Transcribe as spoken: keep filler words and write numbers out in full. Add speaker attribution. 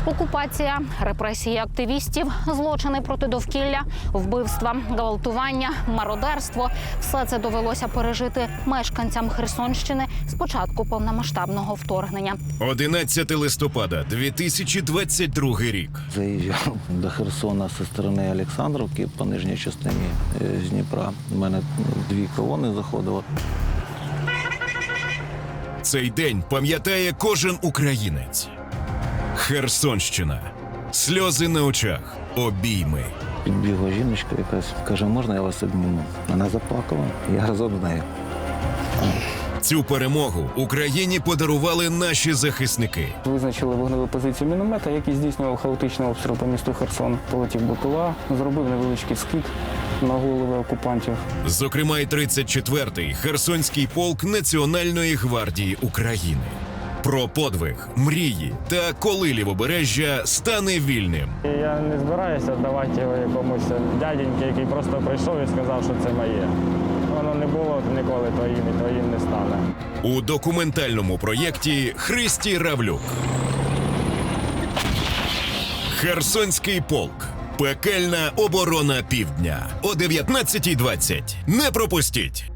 Speaker 1: Окупація, репресії активістів, злочини проти довкілля, вбивства, гвалтування, мародерство – все це довелося пережити мешканцям Херсонщини з початку повномасштабного вторгнення.
Speaker 2: одинадцятого листопада дві тисячі двадцять другий рік.
Speaker 3: Заїжджав до Херсона зі сторони Олександрівки по нижній частині е, з Дніпра. У мене дві колони заходило.
Speaker 2: Цей день пам'ятає кожен українець. Херсонщина. Сльози на очах. Обійми.
Speaker 3: Підбігла жіночка якась, каже, можна я вас обніму? Вона заплакала, я разом з нею.
Speaker 2: Цю перемогу Україні подарували наші захисники.
Speaker 4: Визначили вогневу позицію міномета, який здійснював хаотичний обстріл по місту Херсон. Полетів БПЛА, зробив невеличкий скид на голови окупантів.
Speaker 2: Зокрема, й тридцять четвертий Херсонський полк Національної гвардії України. Про подвиг, мрії та коли Лівобережжя стане вільним.
Speaker 4: Я не збираюся давати його якомусь дяденьки, який просто прийшов і сказав, що це моє. Воно не було ніколи твоїм і твоїм не стане.
Speaker 2: У документальному проєкті Христі Равлюк. Херсонський полк. Пекельна оборона півдня. О дев'ятнадцятій двадцять. Не пропустіть!